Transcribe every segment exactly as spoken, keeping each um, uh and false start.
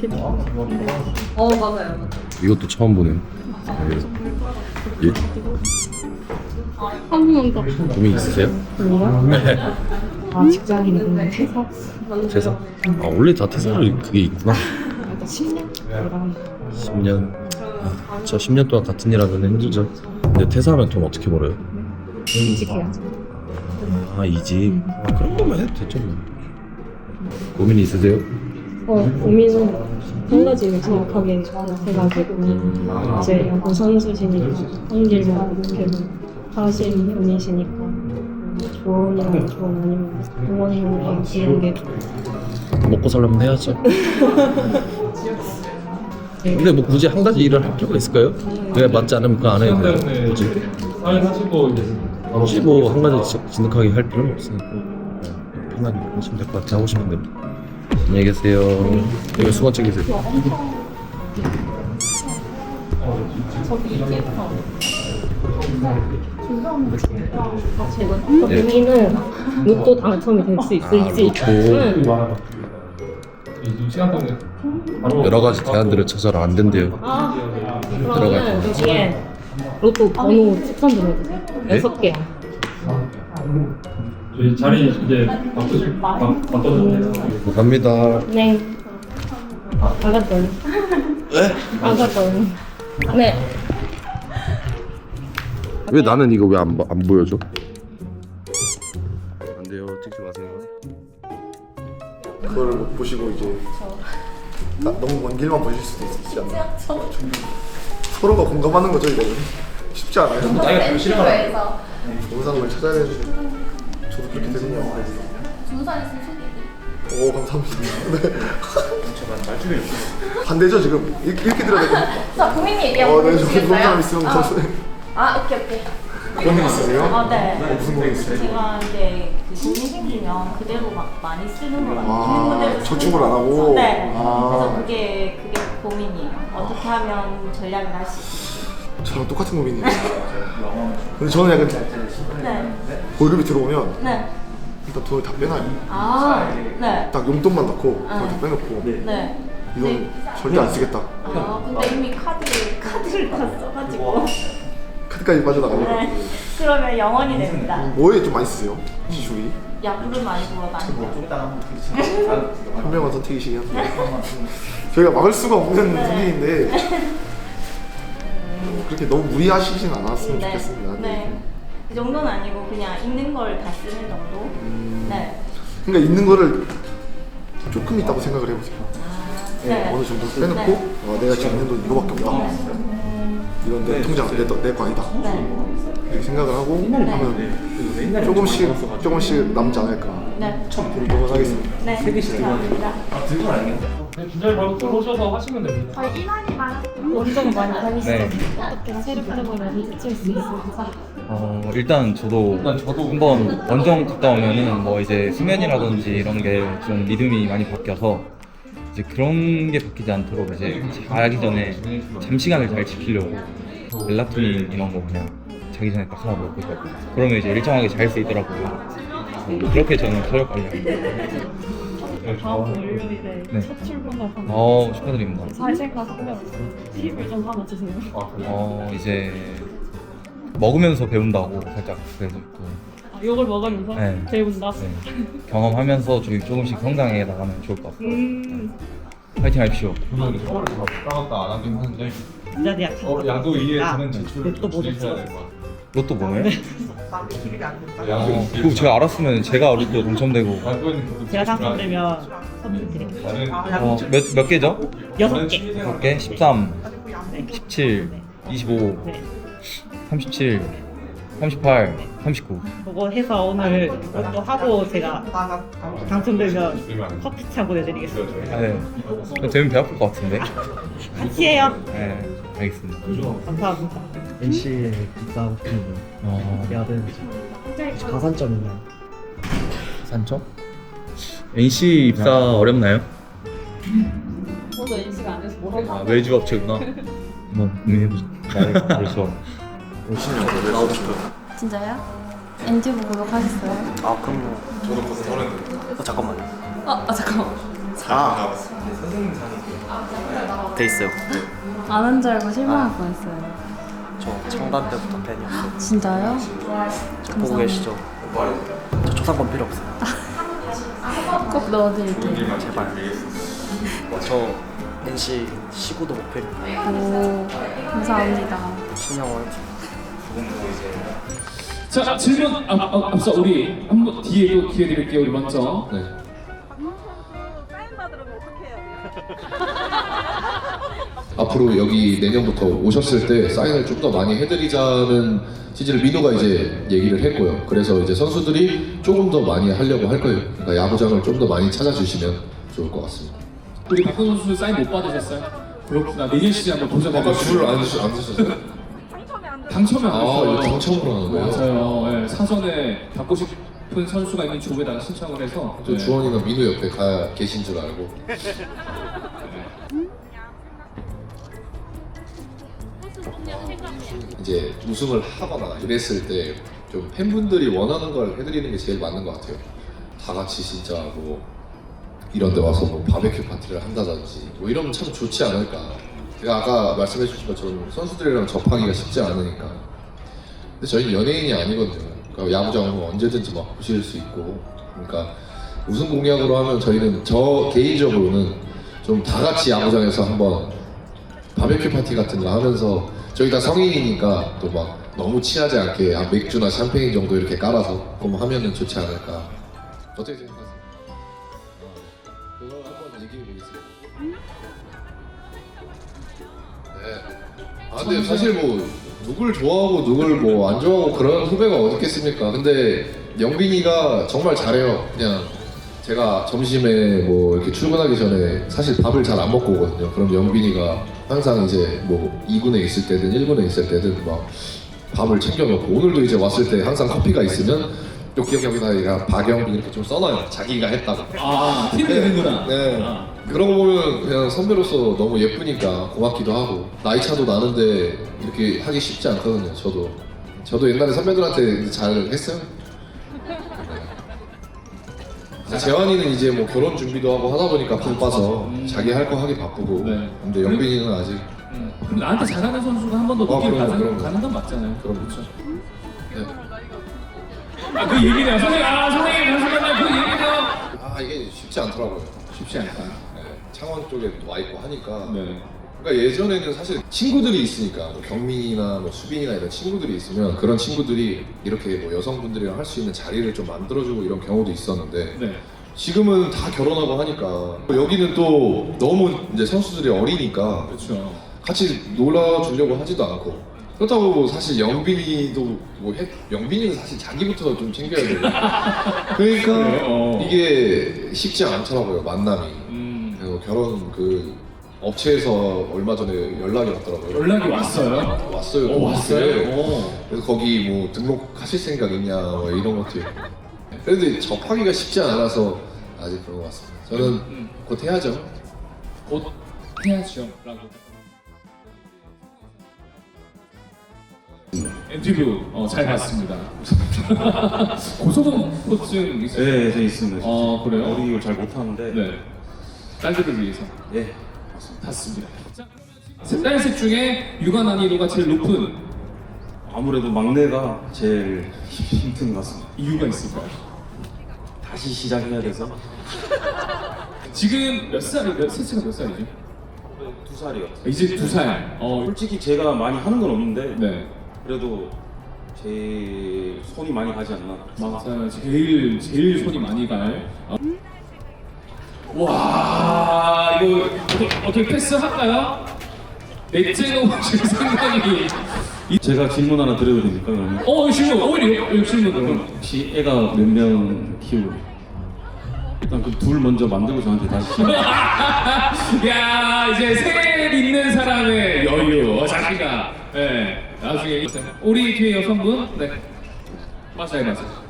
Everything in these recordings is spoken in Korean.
어 맞아요. 이것도 처음 보네요. 예? 한 번만 더. 고민 있으세요? 네. 아 직장인은 퇴사? 퇴사? 아 원래 다 퇴사를 그게 있구나. 일단 십 년? 이런 십 년. 아, 저 십 년 동안 같은 일 하면 힘들죠. 근데 퇴사하면 돈 어떻게 벌어요? 이직해야죠. 아 이직. 아, 그런 거면 해도 되죠. 뭐. 고민이 있으세요? 어 고민은 한 가지를 정확하게 해가지고 이제 야구 선수시니까 한 길만 어떻게든 하시는 분이시니까 조언이나 조언 아니면 응원이나 이런 게 먹고 살려면 해야죠. 근데 뭐 굳이 한 가지 일을 할 필요가 있을까요? 왜 맞지 않으면 그거 안 해도 돼요. 굳이. 굳이 뭐 한 가지 진- 진득하게 할 필요는 없으니까 편하게 하시면 될 것 같아요. 하고 싶은 대로. 안녕히 계세요. 여기 수건 챙기세요. 고민은 로또 당첨이 될 수 있을지 응. 여러 가지 대안들을 찾아라. 안 된대요. 아, 그러면 여기에 로또 번호 추천 좀 해주세요. 여섯 개요. 저희 자리 이제 바꾸실 바꿔주세요. 갑니다. 네. 아가돌. 네? 아가돌. 네. 왜 나는 이거 왜 안 안 보여줘? 안 돼요. 찍지 마세요. 그거를 못 보시고 이제 나, 너무 먼 길만 보실 수도 있지 않나요? 서로가 공감하는 거죠 이거는 쉽지 않아요. 영상을 찾아야 되는데 저도 그렇게 되네요. 오 감사합니다. 네. 반대죠 지금 이렇게, 이렇게 들어야 될까요? 자, 고민 얘기 어, 한번 네, 저 그런 사람 있으면 아, 저 아, 오케이, 오케이. 그런 일 있으세요? 아, 네. 어, 무슨 거 있어요? 제가 이제 그 돈이 생기면 그대로 막 많이 쓰는 걸 아, 있는 그대로 저축을 쓰는 안 하고? 거죠. 네. 아. 그래서 그게 그게 고민이에요. 어떻게 하면 전략을 할 수 있을지. 저랑 똑같은 고민이에요. 근데 저는 약간 네. 월급이 들어오면 네. 일단 돈을 다 빼놔요. 아, 네. 딱 용돈만 넣고 돈을 다 아. 빼놓고 네. 이건 절대 안 쓰겠다. 아, 근데 이미 카드 카드를 다 써가지고. 카드까지 빠져나가요. 네. 그러면 영원이 됩니다. 뭐에 좀 많이 쓰세요? 지출이? 야구를 많이 보러 다니고. 현명한 선택이시긴 한데 저희가 막을 수가 없는 선택인데 그렇게 너무 무리하시진 않았으면 네. 좋겠습니다. 네. 그 정도는 아니고 그냥 있는 걸 다 쓰는 정도. 네. 그러니까 있는 거를 조금 있다고 생각을 해보세요. 아, 네. 어느 정도 빼놓고 어, 내가 지금 있는 돈 이거밖에 없다. 이건 내 통장, 내, 내 거 아니다. 네. 이렇게 생각을 하고 하면 조금씩 조금씩 남지 않을까. 네. 생각하겠습니다. 네. 감사합니다. 준비를 바로 들어오셔서 하시면 됩니다. 저희 인원이 많아서. 원정 많이 다니시죠? 네. 어떻게 세력적으로 미칠 수 있을지. 어 일단 저도 한번 원정 갔다 오면은 뭐 이제 수면이라든지 이런 게 좀 리듬이 많이 바뀌어서 이제 그런 게 바뀌지 않도록 이제 자기 전에 잠 시간을 잘 지키려고 멜라토닌 이런 거 그냥 자기 전에 딱 하나 먹고 있거든요. 그러면 이제 일정하게 잘 수 있더라고요. 어, 그렇게 저는 체력 관리합니다. 다음 주 월요일에 네. 첫 출근을 하는 어 축하드립니다. 잘 생각하면 팁을 좀 하나 주세요. 어 이제 먹으면서 배운다고 살짝 그래서 또 아, 이걸 먹으면서 네. 배운다. 네, 경험하면서 좀 조금씩 성장해 나가면 좋을 것 같아요. 음, 파이팅 하십시오. 따갔다 안 하긴 하는데 진짜 내가 어, 야구 이해에서는 지출을 또 좀 줄이셔야 될 것 같아요. 로또 뭐예요? 야구 어, 그거 제가 알았으면 제가 로또 당첨되고 야구에는 그것도 제가 지출을 당첨되면 선물 드릴게요. 나는 어, 몇, 몇 개죠? 여섯 개. 몇 개? 십삼, 십칠, 이십오, 네. 삼십칠, 삼십팔, 삼십구. 그거 해서 오늘 로또 하고 제가 당첨되면 커피 차 보내드리겠습니다. 네. 되면 배 아플 것 같은데? 같이 해요. 네, 알겠습니다. 감사합니다. 엔씨에 입사하고 싶은데 어, 야든 가산점 있나요? 산점? 엔씨 입사 어렵나요? 저도 인식 안 해서 뭐라고. 아, 외주 업체구나. 한번 고민해보자. 그래서 열심히 하고 나오고 싶어요. 진짜요? 엔티브 구독하셨어요? 아 그럼요. 저도 벌써 서른. 어 잠깐만요. 어, 아, 잠깐만. 아, 돼 있어요. 안 한 줄 알고 실망할 뻔했어요. 저 창단 때부터 팬이었어요. 진짜요? 저 보고 계시죠? 저 초상권 필요 없어요. 꼭 넣어드릴게요. 제발. 저 엔씨 시구도 목표입니다. 오, 감사합니다. 신영원. 자 질문 앞, 앞, 앞서 우리 한번 뒤에 또 기회 드릴게요. 우리 먼저. 네. 앞으로 여기 내년부터 오셨을 때 사인을 좀 더 많이 해드리자는 취지를 민호가 이제 얘기를 했고요. 그래서 이제 선수들이 조금 더 많이 하려고 할 거예요. 그러니까 야구장을 좀 더 많이 찾아주시면 좋을 것 같습니다. 우리 박건 선수 사인 못 받으셨어요? 그렇구나. 내년 시즌 한번 도전해 아까 보시죠. 줄을 안 드셨어요? 당첨이 안 아, 됐어요. 이거 당첨으로 하는 거예요? 맞아요. 네, 사전에 받고 싶은 선수가 있는 조에다가 신청을 해서. 저 네. 주원이가 민호 옆에 가 계신 줄 알고. 이제 우승을 하거나 이랬을 때 좀 팬분들이 원하는 걸 해드리는 게 제일 맞는 것 같아요. 다 같이 진짜 뭐 이런 데 와서 뭐 바베큐 파티를 한다든지 뭐 이러면 참 좋지 않을까. 제가 아까 말씀해 주신 것처럼 선수들이랑 접하기가 쉽지 않으니까. 근데 저희는 연예인이 아니거든요. 그러니까 야구장은 언제든지 막 보실 수 있고. 그러니까 우승 공약으로 하면 저희는 저 개인적으로는 좀 다 같이 야구장에서 한번 바베큐 파티 같은 거 하면서 저희 다 성인이니까 또 막 너무 취하지 않게 한 맥주나 샴페인 정도 이렇게 깔아서 그럼 하면은 좋지 않을까. 어떻게 생각하세요? 어, 그거 한번 얘기해 보겠습니다. 네. 아 근데 사실 뭐 누굴 좋아하고 누굴 뭐 안 좋아하고 그런 후배가 어디 있겠습니까? 근데 영빈이가 정말 잘해요. 그냥 제가 점심에 뭐 이렇게 출근하기 전에 사실 밥을 잘 안 먹고 오거든요. 그럼 영빈이가 항상 이제 뭐 이 군에 있을 때든 일 군에 있을 때든 막 밥을 챙겨놓고, 오늘도 이제 왔을 때 항상 커피가 있으면 여기 여기다 박영빈 이렇게 좀 써놔요. 자기가 했다고. 아, 팀이 되는구나. 네. 아. 그런 거 보면 그냥 선배로서 너무 예쁘니까 고맙기도 하고, 나이 차도 나는데 이렇게 하기 쉽지 않거든요. 저도 저도 옛날에 선배들한테 잘 했어요. 네. 재환이는 이제 뭐 결혼 준비도 하고 하다 보니까 바빠서 음. 자기 할 거 하기 바쁘고. 네. 근데 영빈이는 아직. 음. 그럼 나한테 잘하는 선수가 한 번 더 아, 높게 그럼요, 가는, 그럼요. 가는 건 맞잖아요. 그럼 그렇죠. 네. 아, 그 얘기네요. 선생님, 아, 선생님, 잠시만요. 그 얘기네요. 아 이게 쉽지 않더라고요. 쉽지 않다. 네. 창원 쪽에 또 와 있고 하니까. 네. 그러니까 예전에는 사실 친구들이 있으니까 뭐 경민이나 뭐 수빈이나 이런 친구들이 있으면 그런 친구들이 이렇게 뭐 여성분들이랑 할 수 있는 자리를 좀 만들어주고 이런 경우도 있었는데, 네. 지금은 다 결혼하고 하니까 여기는 또 너무 이제 선수들이 어리니까 그렇죠. 같이 놀아주려고 하지도 않고, 그렇다고 뭐 사실 영빈이도 뭐 해, 영빈이는 사실 자기부터 좀 챙겨야 되고 그러니까 그래, 어. 이게 쉽지 않더라고요, 만남이. 음. 그리고 결혼 그 업체에서 얼마 전에 연락이 왔더라고요. 연락이 왔어요? 왔어요. 오, 왔어요? 오. 그래서 거기 뭐 등록하실 생각 있냐 뭐 이런 것들. 그런데 접하기가 쉽지 않아서 아직 그런 것 같습니다. 저는 음. 곧 해야죠. 곧 해야죠. 라고. 인터뷰 어, 잘 봤습니다. 고소공포증 있어요? 네, 저 있습니다. 어, 그래요? 어린이를 잘 못하는데. 네. 딸들을 위해서. 예. 봤습니다. 딸셋 중에 육아 난이도가 제일 높은 아무래도 막내가 제일 힘든 것 같습니다. 이유가 있을까요? 다시 시작해야 돼서. 지금 몇 살이, 몇, 셋째가 몇 살이죠? 두 살이요. 이제 두 살. 어, 솔직히 제가 많이 하는 건 없는데 네. 그래도 제 손이 많이 가지 않나. 맞아요. 제일, 제일 손이 많이 갈. 어. 와, 이거 어떻게, 어떻게 패스할까요? 넷째가 오실 생각이. 제가 질문 하나 드려도 됩니까 그러면? 어, 질문, 오히려 이거 질문으로. 혹시 애가 몇 명 키우고? 일단 그 둘 먼저 만들고 저한테 다시. 야, 이제 셋 있는 사람의 여유, 어, 자기가. 네, 나중에 우리 뒤에 여성분, 네, 맞아요, 맞아요.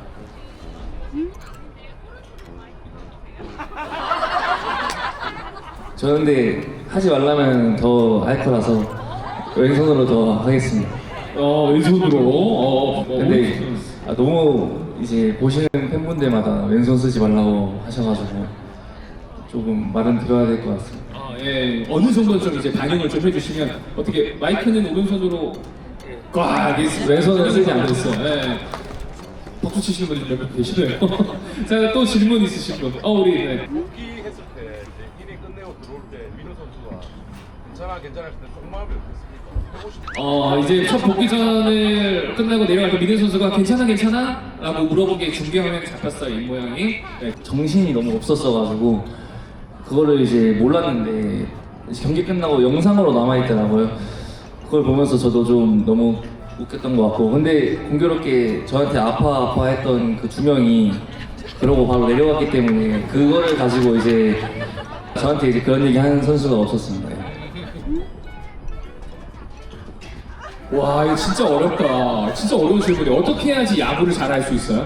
저는 근데 하지 말라면 더 할 거라서 왼손으로 더 하겠습니다. 어, 왼손으로. 어, 어, 근데 아, 너무 이제 보시는 팬분들마다 왼손 쓰지 말라고 하셔가지고 조금 말은 들어야 될 것 같습니다. 아, 예. 어느 정도 좀 이제 반영을 좀 해주시면 어떻게 마이크는 오른손으로 꽉 왼손은 쓰지 않겠어요. 예. 박수 치시는 분이 몇 명 계시네요. 자, 또 질문 있으신 분. 어, 우리 네. 복귀했을 때 이제 인행 끝내고 들어올 때 민호 선수가 괜찮아 괜찮아 했을 때 속마음이 어땠습니까? 하고 싶은 어, 이제 첫 복귀전을 끝나고 내려갈 때 민현 선수가 괜찮아 괜찮아? 라고 물어보기에 중계 화면에 잡혔어요, 이 모양이. 네. 정신이 너무 없었어가지고 그거를 이제 몰랐는데 경기 끝나고 영상으로 남아있더라고요. 그걸 보면서 저도 좀 너무 웃겼던 것 같고, 근데 공교롭게 저한테 아파 아파 했던 그 두 명이 그러고 바로 내려갔기 때문에 그거를 가지고 이제 저한테 이제 그런 얘기 하는 선수가 없었습니다. 와, 이거 진짜 어렵다. 진짜 어려운 질문이 어떻게 해야지 야구를 잘할 수 있어요?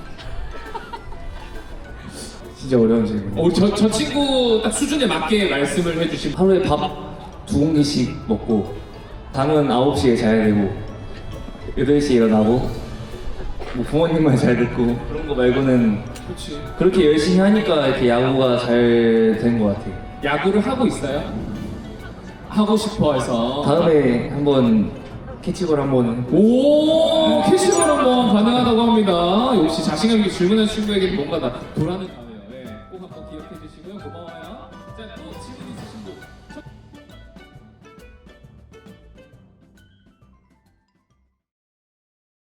진짜 어려운 질문. 어, 저, 저 친구 딱 수준에 맞게 말씀을 해주신. 하루에 밥 두 공기씩 먹고 잠은 아홉 시에 자야 되고 여덟 시에 일어나고 뭐 부모님 말 잘 듣고 그런 거 말고는 그렇지. 그렇게 열심히 하니까 이렇게 야구가 잘 된 것 같아요. 야구를 하고 있어요? 하고 싶어 해서. 다음에 한번 캐치볼 한번 오, 캐시볼 한번 가능하다고 합니다. 역시 자신감 있게 질문한 친구에게는 뭔가 나 돌아는.